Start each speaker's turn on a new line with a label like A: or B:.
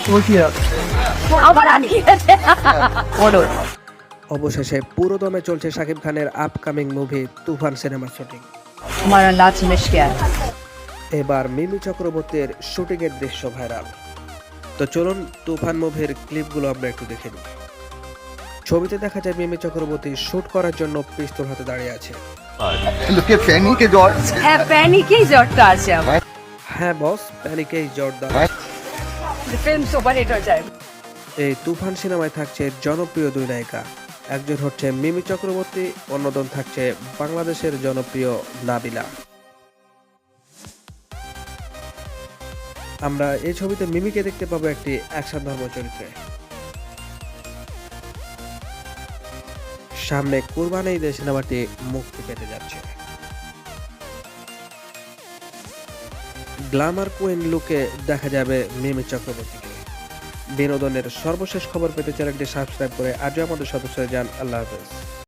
A: অবশেষে পুরোদমে চলছে শাকিব খানের আপকামিং মুভি তুফান সিনেমার শুটিং।
B: हमारा लास्ट मिश क्या है?
A: এবার মিমি চক্রবর্তীর শুটিং এর দৃশ্য ভাইরাল। তো চলুন তুফান মুভির ক্লিপগুলো আমরা একটু দেখে নিই। ছবিতে দেখা যায় মিমি চক্রবর্তী শুট করার জন্য পিস্তল হাতে দাঁড়িয়ে আছে।
C: লোকে প্যানিকে জ্বর
B: হ্যাঁ প্যানিকেই জ্বরটা আছে আমার।
A: হ্যাঁ বস, প্যানিকেই জোরদার।
B: ফিল্ম সুপার হিট হয়ে যায়।
A: এই তুফান সিনেমায় থাকছে জনপ্রিয় দুই নায়িকা, একজন হচ্ছে মিমি চক্রবর্তী, অন্যজন থাকছে বাংলাদেশের জনপ্রিয় নাবিলা। আমরা এই ছবিতে মিমিকে দেখতে পাবো একটি অ্যাকশন ধর্ম চরিত্রে। সামনে কুরবানি ঈদে সিনেমাটি মুক্তি পেতে যাচ্ছে। গ্ল্যামার কুইন লুকে দেখা যাবে মিমি চক্রবর্তীকে। বিনোদনের সর্বশেষ খবর পেতে চ্যানেলটি সাবস্ক্রাইব করে আজও আমাদের সদস্য হয়ে যান। আল্লাহ হাফেজ।